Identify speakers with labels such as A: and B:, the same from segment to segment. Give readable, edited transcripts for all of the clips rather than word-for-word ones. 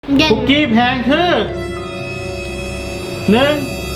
A: คุกกี้แพงคือ1 2 3
B: นี่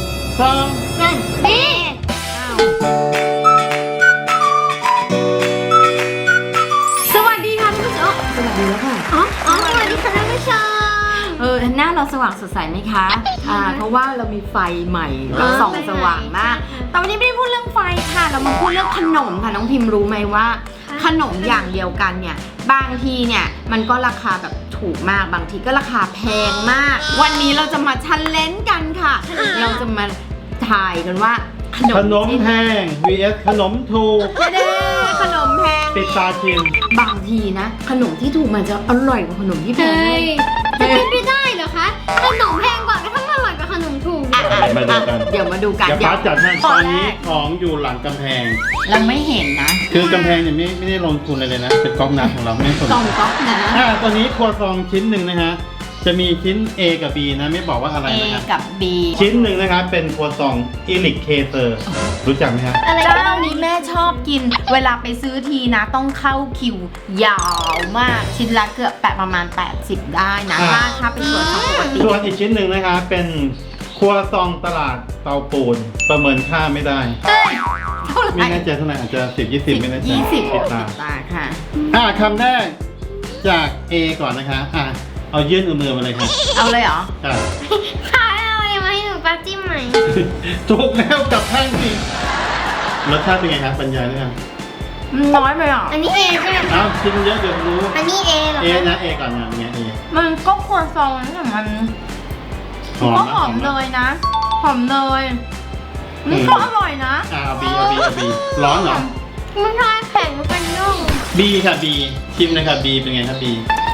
B: สวัสดีค่ะท่านผู้ชมสวัสดีแล้วค่ะ
C: สวัสดีค่ะท่านผู้ชม
B: หน้าเราสว่างสดใสไหมคะเพราะว่าเรามีไฟใหม่เราส่องสว่างมากแต่วันนี้ไม่ได้พูดเรื่องไฟค่ะเรามาพูดเรื่องขนมค่ะน้องพิมพ์รู้ไหมว่าขนมอย่างเดียวกันเนี่ยบางทีเนี่ยมันก็ราคาแบบถูกมากบางทีก็ราคาแพงมากวันนี้เราจะมาชันเลนกันค่ะเราจะมาถ่ายกันว่า
A: ขนมแพง vs ขนมถูก
B: ขนมแพง
A: ปิดตาชิม
B: บางทีนะขนมที่ถูกมันจะอร่อยกว่าขนมที่แพง
C: จะเป็นไปได้เหรอคะขนมแพงกว่าก็ต้องอร่อยกว่าขนมถูก
B: เดี๋ยวมาดูกัน
A: เดี๋ยวป้าจัดให้ตอนนี้ของอยู่หลังกำแพง
B: เราไม่เห็นนะ
A: คือกำแพงเนี่ยไม่ได้ลงทุนเลยนะเป็นก๊อกน้ำของเราไม่สน
B: กล่องนะ
A: ตัวนี้ครัวซองชิ้นหนึ่งนะฮะจะมีชิ้น A กับ B นะไม่บอกว่าอะไรนะ
B: A กับ B
A: ชิ้นหนึ่งนะครับเป็นครัวซองอิลิกเคเตอร์รู้จักไหมฮะ
B: เจ้านี้แม่ชอบกินเวลาไปซื้อทีนะต้องเข้าคิวยาวมากชิ้นละเกือบประมาณ80ได้นะถ้าเป็นครัวซองปกติ
A: ส่วนอีกชิ้นหนึ่งนะคะเป็นครัวซองตลาดเตาปูนประเมินค่าไม่ได้ไม่แน่ใจเท่าไหร่อาจจะ10-20ไม่แน่ใจ
B: 20ตาค่ะ
A: คำแรกจาก A ก่อนนะคะเอายื่นมือมาเลยค่ะ
B: เอาเลยเหรอ
C: ค่ะเอาอะไรมาให้หนูป้าจิ้มไหม
A: ถูกแล้วกับแท่งจริงรสชาติเป็นไงครับบรรยายด้วยกัน
B: น้อยไปอ่ะ
C: อันนี้ A ใช่ไหม
A: ชิมเยอะเดี๋ยวรู้
C: อันนี้ A เหรอ
A: A นะ A ก่อนนะเนี่ย A
B: มันก็ครัวซองแต่มันก็หอมเลยนะหอมเลยนี่ก็อร่อยนะ
A: เอา B ร้อนเหรอ
C: มันทายแข็งเป็นนุ่ม
A: B ค่ะ B ชิมเลยค่ะ B เป็นไงครับ B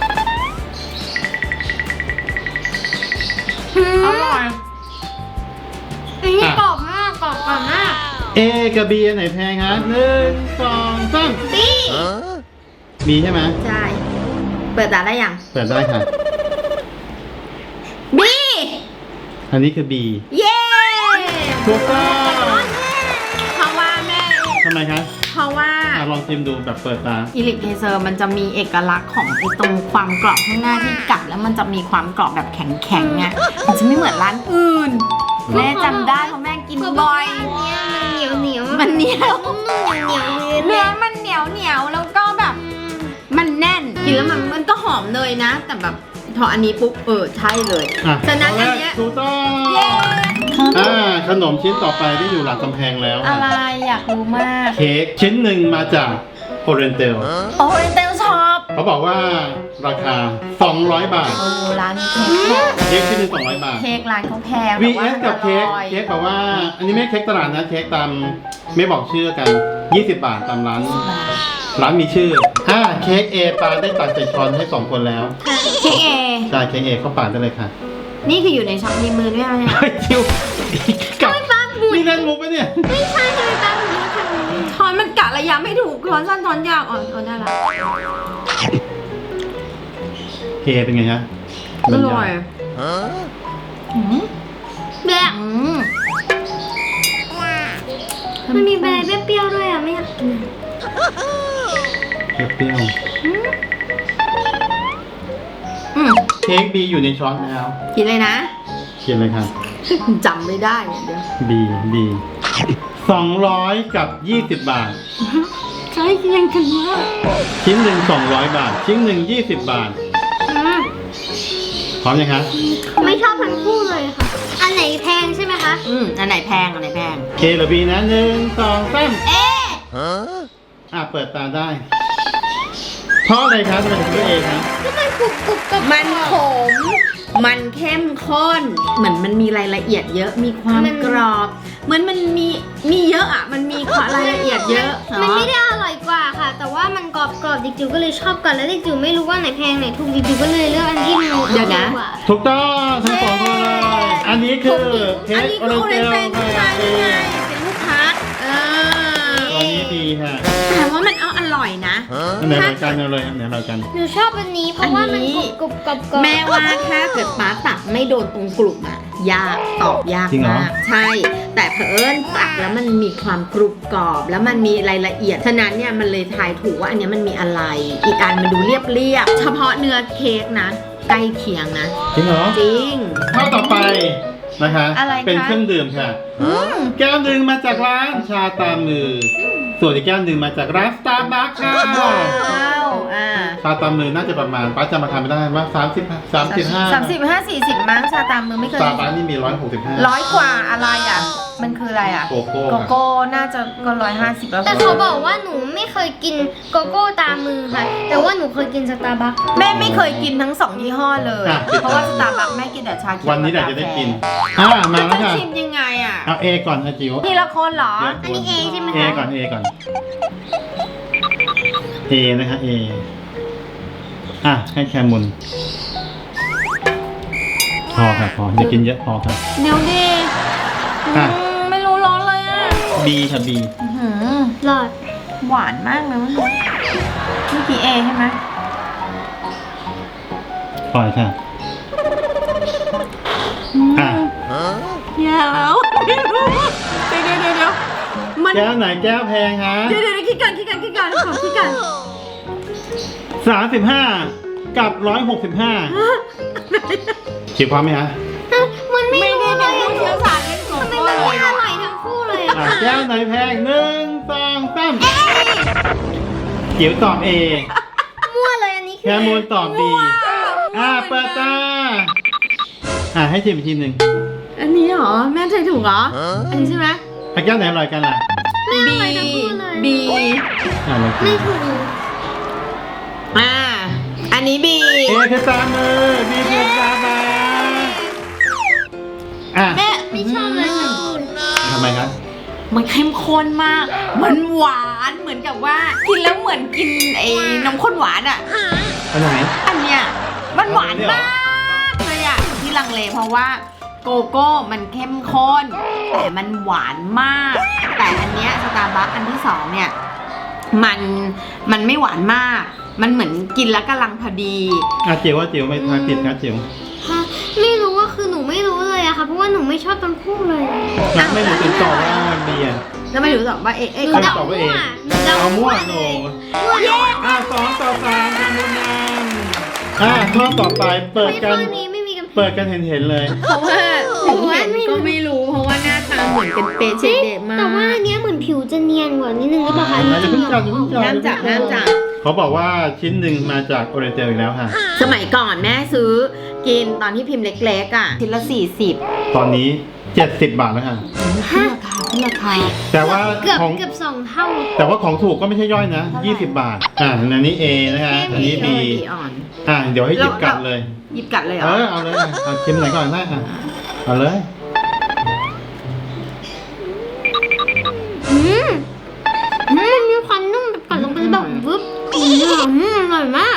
B: อร่อย
C: อันนี้กรอบมากกรอบมาก
A: A กับ B อันไหนแพงฮะ1 2 3
C: B
A: B ใช่ไหม
B: ใช่เปิดตาได้ยัง
A: เปิดได้ค่ะ
B: B
A: อันนี้คือ B
B: เย้
A: ถูกต้อง
B: เพราะว่าแม่
A: ทำไมคะ
B: เพราะว่า
A: ลองชิมดูแบบเปิดตา
B: อิลิกเคเซอร์มันจะมีเอกลักษณ์ของตรงความกรอบข้างหน้าที่กัดแล้วมันจะมีความกรอบแบบแข็งๆไงมันจะไม่เหมือนร้านอื่นแม่จำได้เพราะแม่กินบ่อย
C: มันเหนียว
B: มันเหนียว
C: เนื้อ
B: มันเหนียวแล้วก็แบบมันแน่นกินแล้วมันก็หอมเลยนะแต่แบบพออันนี้ปุ๊บใช่เลยฉะนั้นอันเนี้ย
A: ถูกต้องขนมชิ้นต่อไปที่อยู่หลังกำแพงแล้ว
B: อะไรอยากรู้มาก
A: เค้กชิ้นหนึ่งมาจากโอเรนเตล
B: ช็อป
A: เขาบอกว่าราคา200 บาท
B: ร้าน
A: เค้กชิ้นหนึ่ง200 บาท
B: เค้กร้านเขาแพง
A: VS กับเค้กบอกว่าอันนี้ไม่เค้กตลาดนะเค้กตามไม่บอกชื่อกัน20 บาทตามร้านมีชื่อเค้ก A ปาได้ตักใส่ช้อนให้2 คนแล้ว
B: เค้ก A
A: ใช่เค้ก A เขาปาดได้เลยค่ะ
B: นี่คืออยู่ในช็อปในมือด้วยไหมเนี่ย
A: คิวกับนี่นั่นมุกปะเนี่ย
C: ไม่ใช่เลยป้าบุญ
B: ช้อนมันกะระยะไม่ถูกช้อนสั้นช้อนยาวได้ละ
A: เคเป็นไงฮะ
B: อร่อย
C: แบบมันมีแบบเปรี้ยวด้วยอ่ะไม่อยากกิน
A: เปรี้ยวเค้กบีอยู่ในช้อนแล้ว
B: กินเลยนะ
A: กินเลยครับ
B: จำไม่ได้เดี๋ยว
A: บี200 กับ 20 บาท
B: ใช่ยังกันมาก
A: ชิ้นหนึ่ง200 บาทชิ้นหนึ่ง20 บาทพร้อมยังคะ
C: ไม่ชอบทั้งคู่เลยค่ะอันไหนแพงใช่ไหมคะ
B: อันไหนแพง
A: เคหรือบีนะ1 2 3เปิดตาได้เพราะอะไรครับทำไมถึงเลือกเอครับ
C: ก็มันกรุบกับ
B: มันขมมันเข้มข้นเหมือนมันมีรายละเอียดเยอะมีความกรอบเหมือนมันมีเยอะมันมีรายละเอียดเยอะ
C: มันไม่ได้อร่อยกว่าค่ะแต่ว่ามันกรอบดิจิวก็เลยชอบกันแล้วดิจิวไม่รู้ว่าไหนแพงไหนถูกดิจิวก็เลยเลือกอันที่มัน
B: เดี๋ยวนะ
A: ถูกต้องทั้งสองคนเลยอันนี้คือเค้กโอเรนเตล
B: เป็นลูกค้า
A: ตอนนี้ดีค่ะ
B: แต่ว่ามันอร่อยนะ
A: อันไหนเรากันเลยอันไหนเรากัน
C: หนูชอบอันนี้เพราะว่ามันกรุบ
B: แม่ว่าถ้าเกิดป้าตักไม่โดนตรงกลุ่มยากตอบยากมากใช่แต่เผอิญตักแล้วมันมีความกรุบกรอบแล้วมันมีรายละเอียดฉะนั้นเนี่ยมันเลยทายถูกว่าอันนี้มันมีอะไรอีกอันมันดูเรียบเฉพาะเนื้อเค้กนะใกล้เคียงนะ
A: จริงเหรอ
B: จริง
A: ข้อต่อไปนะคะ
B: อะไรคะ
A: เป็นเครื่องดื่มค่ะ แก้วหนึ่งมาจากร้านชาตามมือ ส่วนอีกแก้วหนึ่งมาจากร้านสตาร์บัคค่ะ
B: ว้าว
A: ชาตามมือน่าจะประมาณป้าจำราคาไม่ได้ว่า35
B: 35-40มั้งชาตามมือไม่เค
A: ส
B: ย
A: ตาร์บัคนี่มี165
B: 100 กว่าอะไรอ่ะ มันคืออะไรอ่ะ
A: โกโก้
B: โกโก้น่าจะก็150แล้ว
C: แต่เขาบอกว่าหนูไม่เคยกินโกโก้ตามมือค่ะ แต่ว่าหนูเคยกินสตาร์บัค
B: แม่ไม่เคยกินทั้ง2ยี่ห้อเลย
A: อ่ะ
B: เพราะว่าสตาร์บัคแม่กินแต่ชาเขียว
A: วันนี้แหละจะได้กิน
B: กาแฟ
A: มาแล้ว
B: จะ
A: ค่ะ
B: ชิมยังไงอ่ะ
A: เอา A ก่อนนะจิ๋ว
B: ทีละคนเหรอ
C: อันนี้ A ใช่ไหม
A: A
C: คะ
A: ก่อน A ก่อน A นะคะ A ให้แคมุนพอค่ะพออย่ากินเยอะพอค่ะ
B: เดี๋ยวดิ
A: อ่ะ
B: ไม่รู้ร้อนเลยอ่ะ
A: B ค่ะ B
C: หลอด
B: หวานมากเลยเมื่อกี้เอใช่ไหม
A: ปล่อยค่ะ อ่ะ
B: แย่แล้วไม่รู้เดี๋ยวมัน
A: แก้วไหนแก้วแพงฮะ
B: เดี๋ยวคิดกันขอคิดกัน
A: 35 กับ 165จิ๋วพร้อมไหมฮะ
C: มันไม่
B: ไม่
C: รู้
B: ได้
C: เล
B: เป็น
C: ย
B: ผู้เชี่ยวชาญเรื่องโก
C: ทำไม
B: โก้
C: มัน
B: เล
C: ไม่
B: ย
C: อร่อยทั้งคู่เลยอะ
A: แก้วไหนแพง1 2 3จิ๋วตอบ A
C: มั่วเลยอันนี้
A: แคมูลตอบ B เปิดตาให้ชิมอีกทีหนึ่ง
B: อันนี้เหรอแม่ใจถูกเหรออันนี้ใช่ไหม
A: แก้วไหนอร่อยกันล่ะ
C: ไม่อร่อยทั้งคู่เลย
B: B
A: เรากิ
C: ไม่
A: น
C: ถูก
B: อันนี้ B
A: เอคือตามมือ B คือตาบา
B: แม่
C: ไม่ชอบเลยทั้งคู่
A: ทำไมครับ
B: มันเข้มข้นมาก มันหวานเหมือนกับว่ากินแล้วเหมือนกินไอ้นมข้นหวานอ่ะ
A: อันไหน
B: อันเนี้ยมันหวานมากเลยอ่ะที่ลังเลเพราะว่าโกโก้มันเข้มข้น แต่มันหวานมาก แต่อันเนี้ยสตาร์บัคอันที่2เนี่ยมันไม่หวานมาก มันเหมือนกินแล้วกำลังพอดี
A: จิ๋วว่าจิ๋วไม่ทายผิดครับจิ๋ว
C: ค่ะไม่รู้ว่าคือหนูไม่รู้เลยอะค่ะ เพราะว่าหนูไม่ชอบทั้งคู่เลย
A: ไม่หนูถึงตอบว่า B
B: แล้วไม่รู้หรอกว่าเอ๊ะ
C: หนู
A: เขา
C: เดา
A: ตอบว่า A
C: หนูเดา
A: เอามั่วโห
C: มั่วเลย
A: 2 ต่อ 3ทำบุญนำข้อต่อไปเปิด
C: ไม่
A: กั
C: ข้อน นี้ไม่มีกัน
A: เปิดกันเห็นเลย
B: เพราะว่าถึงเห็นก็ไม่รู้เพราะว่าหน้าตาเหมือนเป็นเปเชเดะมาก
C: แต่ว่าอันเนี้ยเหมือนผิวจะเนียนกว่านิดนึงก็บอกค่ะ
A: อย่าเพิ่งจับอย่าเพิ่งจับ
B: ห้ามจับห้ามจับ
A: เขาบอกว่าชิ้นหนึ่งมาจากโอเรนเจลอีกแล้วค่ะ
B: สมัยก่อนแม่ซื้อกินตอนที่พิมพ์เล็กๆอ่ะชิ้นละ40
A: ตอนนี้ 70 บาทแล้วค่ะ
B: ขึ้นราคา
A: แต่ว่า
C: เกือบ
A: ของ
C: เกือบ2 เท่า
A: แต่ว่าของถูกก็ไม่ใช่ย่อยนะ 20 บาท อันนี้ A นะคะอันนี้ B
B: อ่อน
A: เดี๋ยวให้หยิบกลับเลย
B: หยิบกัดเลยเหรอ
A: เอาเลยเอาชิมไหนก่อนได้เอาเลย
C: มันมีความนุ่มแบบกัดลงไปแบบวึบอร่อยมาก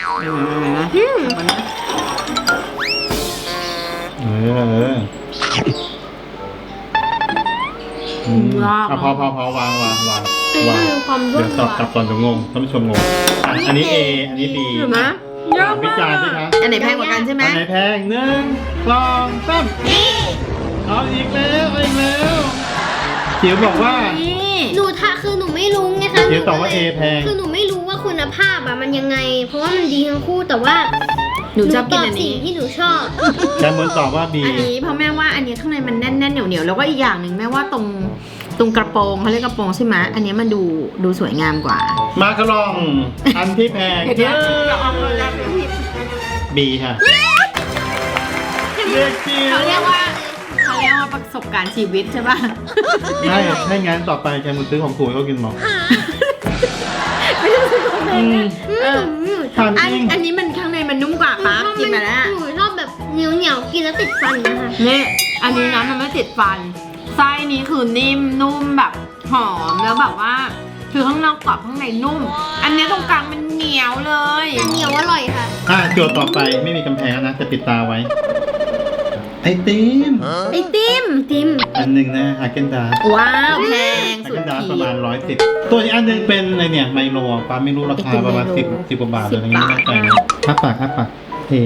A: พอวาง
C: เป็นความร่
A: เดี๋
C: ว
A: ยว
C: ม
A: ตอบกลับก่อนเดี๋ยวงงท่านผู้ชมงงอันนี้ A อันนี้ B
B: เห็นไหมเยอะ
A: วิ
B: มาก
A: จารณ์สิคะ
B: อันไหนแพงกว่ากันใช่ไหม
A: อันไหนแพง1 2 3เอาอีกแล้วจิ๋วบอกว่า
B: นี่
C: หนูคือหนูไม่รู้ไงคะ
A: เดี๋ยวตอบว่า A แพง
C: คือหนูไม่รู้ว่าคุณภาพอะมันยังไง เพราะว่ามันดีทั้งคู่แต่ว่า
B: หนูชอบกิน
C: ต
B: อัน
C: สิ่
B: นี้
C: งที่หนูชอบ
A: แคมมูลตอบว่า B
B: อันนี้เพราะแม่ว่าอันนี้ข้างในมันแน่นๆเหนียวๆแล้วก็อีกอย่างหนึ่งแม่ว่าตรงกระโปรงเขาเรียกกระโปรงใช่ไหมอันนี้มันดูสวยงามกว่า
A: มาคารองอันที่แพง
B: เดี๋ยว
A: B ค่ะเรียกจิ๋ว
B: เขาเรียกว่าประสบการณ์ชีวิตใช่ป่ะ
A: ไม่ให้งั้นต่อไปแคมมูลซื้อของถูกให้เขากินหมด
B: ไม่ใช่ซื้อของแพงนะเออ
A: ทานจริง
B: อันนี้มันข้างในมันนุ่มกว่าปั๊บกินมาแล้ว
C: หนูชอบแบบเหนียวกินแล้วติดฟันนะคะ
B: นี่อันนี้นะมันไม่ติดฟันไส้นี้คือนิ่มนุ่มแบบหอมแล้วแบบว่าคือข้างนอกกรอบข้างในนุ่ม อันนี้ตรงกลางมันเหนียวเลย
C: แต่เหนียวอร่อยค่ะ
A: โจทย์ต่อไปไม่มีกำแพงนะจะปิดตาไว้ ไอติม
B: ไอติม
A: อันหนึ่งนะฮาเกนดาส
B: ว้าวแพง
A: ฮา
B: สุ
A: เก
B: ด
A: นดาส
B: ขี
A: ประมาณ
B: ด
A: 110ตัวอีกอันหนึงเป็นอะไรเนี่ยไมโลป้าไม่รู้ราคาประมาณ10กว่าบาทเลยอย่างนี้ไม่แน่ใจนะอ้าปากเท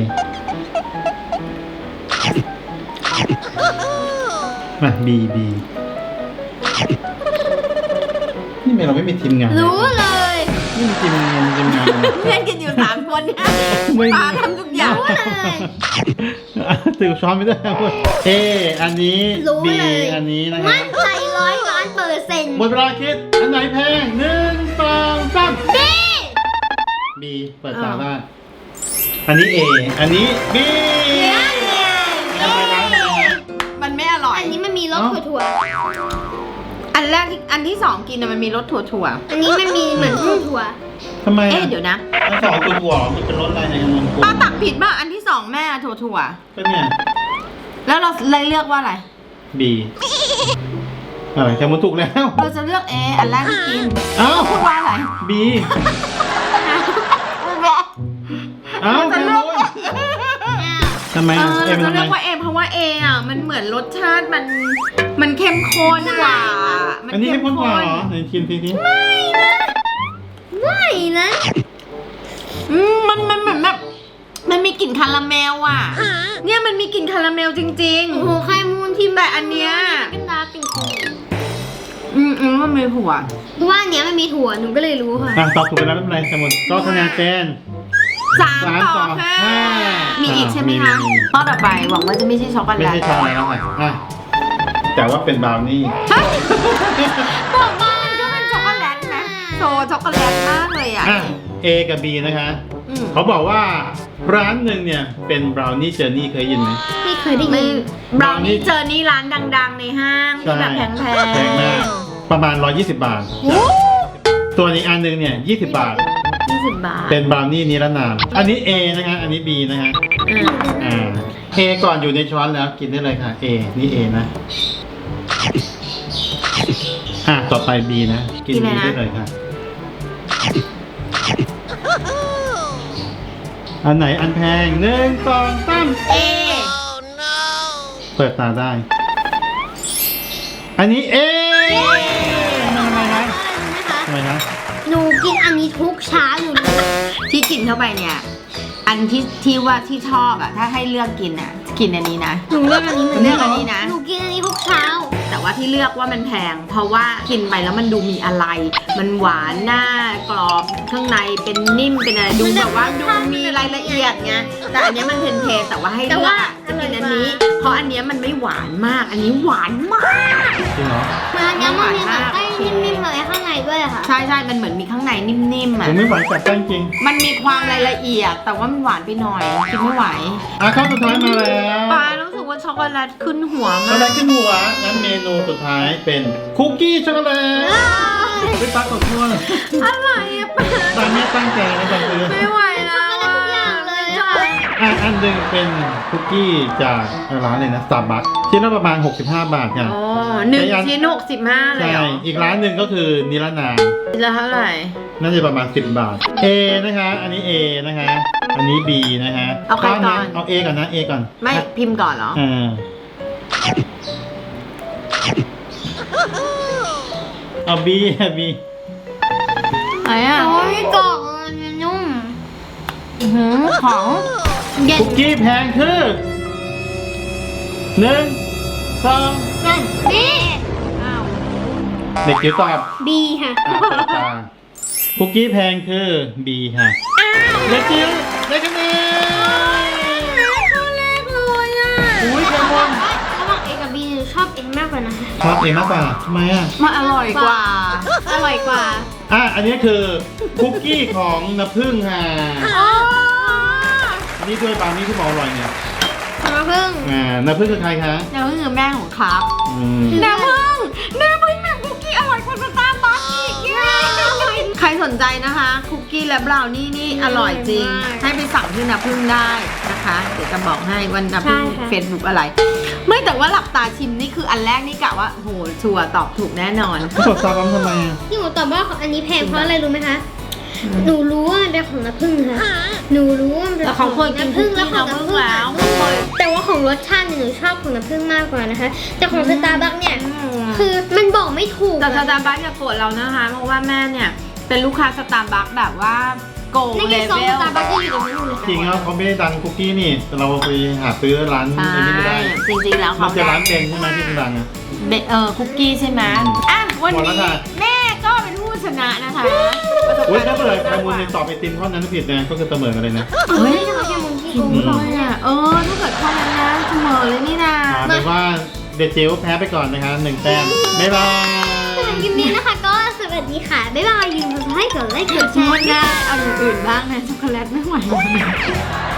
A: มาบีนี่เราไม่มีทีมงาน
C: รู้เลย
A: นี่มันกินยังไงมันกินงาน
B: เล่นกันอยู่3 คนเนี่ย
A: ไม่
B: ปาทำทุกอย่าง
C: รู้เลย
A: ถือช้อนไม่ได้พูดเออันนี้
C: รู้
A: บี
C: เลย
A: อันนี้นะครั
C: มั่
A: บ
C: นใจ100,000,000%
A: หมดเวลาคิดอันไหนแพง1 2 3
C: บี
A: บีเปิดตาได้อันนี้ A อันนี้ B ทำไมนะ
B: มันไม่อร่อย
C: อันนี้มันมีรสถั่ว
B: อันแรกที่อันที่2กินน่ะมันมีรสถั่ว
C: ๆอันนี้มันมีเหมือนถั่ว
A: ทำไม
B: ๆเอ๊ะเดี๋ยวนะ
A: ทั้งสองตัวหัวมันเป็นรสอะไรในกันนม
B: ป้าตักผิดป่ะอันที่2แม่ถั่ว
A: ก็เนี่ย
B: ๆแล้วเราเลยเลือกว่าอะไร
A: B จะมันถูกแล้ว
B: เราจะเลือก A อันแรกที่กิน
A: เอ้า
B: พูดว่าอะไร
A: B เอ้า
B: จะ
A: แค
B: เลื
A: มุ
B: อก
A: นทำไม
B: เอ
A: อ่ะ
B: อ
A: เอ็
B: เรา
A: ม
B: จะ
A: ทำไม
B: เลือกว่า A เพราะว่า A อ่ะมันเหมือนรสชาติมันเข้มข้นกว่ามั
A: อันนี้ให้พ้นกว่าเหรอไหนชิมทีที
C: ไม่นะ
B: มันเหมือนแบบมันมีกลิ่นคาราเมลอ่ะ เนี่ยมันมีกลิ่นคาราเมลจริง
C: โอ้โหไข่มูนที่
B: แต่อันเนี้ย
C: เป็นดาร์กเป็นโค
B: มันมีผัว
C: เพราะว่าอันเนี้ยมันมีถั่วหนูก็เลยรู้ค่ะ
A: ตอบถูกไปแล้วไม่เป็นไรแคมุนก็คะแนนเป็น
B: 3 ต่อ 5มีอีกใช่ไหมคะ
A: มี
B: ข้อต่อไปหวังว่าจะไม่ใช่ช็อกโก
A: ไม่
B: แลต
A: ใช่ชาแล้วค่ะแต่ว่าเป็นบราวนี่
B: บอกว่ามันก็เป็นช็อกโกแลตนะโซช็อกโกแลตมากเลยอ่ะ
A: A กับ B นะคะ
B: อืม
A: เขาบอกว่าร้านหนึ่งเนี่ยเป็นบราวนี่เจอร์นี่เคยยินไหม
C: ไม่เคยได้
B: ไม่
C: ยิน
B: บราวนี่เจอนี่ร้านดังๆในห้างที่แบบแพง
A: แพงมากประมาณ 120 บาท ส่วนอีกอันหนึ่งเนี่ย20 บาท
B: 20 บาท
A: เป็นบราวนี่นิรนาม อันนี้ A นะคะ อันนี้ B นะคะ A ก่อนอยู่ในช้อนแล้วกินได้เลยค่ะ A นี่ A นะ ต่อไป B นะ กิน B ได้เลยค่ะ อันไหนอันแพง1 2 3
B: เอ
A: เปิดตาได้ อันนี้ A ทำไมนะ
C: นะคะ
A: ทำไมนะ
C: หนูกินอันนี้ทุกเช้าหนูรู้
B: ที่กินเข้าไปเนี่ย อันที่ว่าที่ชอบอะถ้าให้เลือกกินอะกินอันนี้นะ
C: หนูเลือกอันนี้เหมือน
B: เลื
C: กั
B: อกอันนี้นะ
C: หนูกินอันนี้ทุกเช้า
B: แต่ว่าที่เลือกว่ามันแพง เพราะว่ากินไปแล้วมันดูมีอะไร มันหวานหน้ากรอบข้างในเป็นนิ่มเป็นอะไรดูแบบว่าดูมีรายละเอียดไงแต่อันเนี้ยมันเพลนๆแต่ว่าให้เลือกอะจะกินอันนี้ เพราะอันเนี้ยมันไม่หวานมาก อันนี้หวานมาก
A: จริงเหรอ
C: มันยังมันมีแบบไส้นิ่มๆอะไรข้างในด้วยค่ะ
B: ใช่ๆมันเหมือนมีข้างในนิ่มๆ
A: ผ
B: อะ
A: มไม่ไหวจับแป้งจริง
B: มันมีความรายละเอียด แต่ว่ามันหวานไปหน่อยกินไม่ไหว
A: ข้อสุดท้ายมาแล้ว
B: ปารู้สึกว่าช็อกโกแลตขึ้นหัว
A: ช็อก
B: มา
A: โกแล
B: ก
A: ตขึ้นหัวงั้นเมนูสุดท้ายเป็นคุกกี้ช็อกโกแลตไม่ปักกับทั่วเลย
B: อะไรอะปา
A: ตามแม่ตั้งใจนะจังคือ
B: ไม่ไหวแล้ว
C: ช็อกโกแลตทุกอย่างเลย
B: ใช่
A: อันหนึ่งเป็นคุกกี้จากร้านเลยนะ Starbucks ชิ้นละประมาณ65 บาทค่ะ
B: โอ้1 ชิ้น 65 เลย
A: ใช่
B: เหรอ
A: อีกร้านหนึ่งก็คือนิรนาม
B: ชิ้นละเท่าไหร่
A: น่าจะประมาณ10 บาท A นะคะ อันนี้ A นะคะ อันนี้ B นะคะ
B: เอาใครก่อน
A: เอา A ก่อนนะ A ก่อน
B: ไม่พิมพ์ก่อนเหรอ
A: เอา B ค่ะ B
B: ไหนอ่ะ
C: โอ้ยกรอบมันนุ่ม
B: ของ
C: เย็น
A: คุกกี้แพงคือ1 2 3
C: นี่
B: อ้าว
A: เด็กจิ๋วตอบ
C: บีค่ะ
A: เปิดตาคุกกี้แพงคือ B ค่ะเด็กจิ๋วได้คะแนน
B: ข้อแรกเลยอ่ะ
A: อุ้ยแคมอน
C: ระหว่าง A กับ B หนูชอบ A มากกว่านะคะ
A: ชอบเองมากกว่าทำไมอ่ะ
B: มันอร่อยกว่า
C: อร่อยกว่า
A: อันนี้คือคุกกี้ของน้ำผึ้งค่ะ
B: อ๋อ
A: อันนี้ด้วยบราวนี่ที่บอกอร่อยเนี่ย
C: น้ำผึ้ง
A: น้ำผึ้งคือใครคะ
B: น้ำผึ้งคือแม่ของครับ
A: อืม
B: น้ำผึ้งแบบคุกกี้อร่อยกว่าสตาร์บัคอีกเย้ใครสนใจนะคะ คุกกี้และบราวนี่นี่อร่อยจริง ให้ไปสั่งที่น้ำผึ้งได้นะคะ เดี๋ยวจะบอกให้วันน้ำผึ้งเฟซบุ๊กอะไร ไม่แต่ว่าหลับตาชิมนี่คืออันแรกนี่กะว่าโหชัวร์ตอบถูกแน่นอน
A: กดซาบัมทำไมอ่ะ
C: ที่หนูตอบว่าอันนี้แพงเพราะอะไรรู้ไหมคะ หนูรู้ว่ามันเป็นของน้ำผึ้งค่ะ หนูรู้ว่ามันเป็น
B: แต่
C: ข
B: เขา
C: อง
B: เคยกิน
C: น้ำผึ้งแล้วของ
B: น้ำผึ้
C: น้ำ
B: ง
C: ผึ้ง
B: แล้ว
C: แต่ว่าของรสชาติเนี่ยหนูชอบของน้ำผึ้งมากกว่านะคะ แต่ของสตาร์บัคเนี่ย คือมันบอกไม่ถูก
B: แต่ส
C: อะ
B: ตาร์บัคอย่าโกรธเรานะคะ เพราะว่าแม่เนี่ยเป็นลูกค้าสตาร์บัคแบบว่าโกง
C: ใน
B: เล
C: ซอง
B: เว
C: ส
B: ล
C: ตาร์บัคจะอยู่ตรงนั้นอยู่เลย
A: จริงแล้วเขาไม่ได้ดังคุกกี้นี่แต่เราไปหาซื้อร้าน
B: ใช่
A: อันนี้ไม่ได้
B: จริงๆแล้ว
A: มั
B: เขา
A: นจะร้านเต็งใช่ไหมที่ดังอ่ะ
B: คุกกี้ใช่ไหมอ่ะวัน
A: หมดแล้ว
B: นี้
A: ค่ะ
B: แม่ก็เป็นผู้ชนะนะคะ ประสบ
A: อุ้ยถ้าเกิดใครมูลในตอบไอติมข้อนั้นผิดนะก็คือเสมอกันเลยนะ
C: เฮ้ยทำไมแค่มุนที่โกง
B: เลยอ่ะถ้าเกิดข้อนั้นนะเสมอเลยนี่นะ
A: เอาเป็นว่าเดจิ๋วแพ้ไปก่อนนะคะ1 แต้มบ๊ายบาย
C: สำหรับคลิปนี้นะคะก็สวัสดีค่ะ บ๊ายบายอย่าลืมกดไลค์กดไลค์กดแช
B: หม
C: ร์
B: ดได้เอาอย่างอื่นบ้างนะช็อกโกแลตไม่ไหว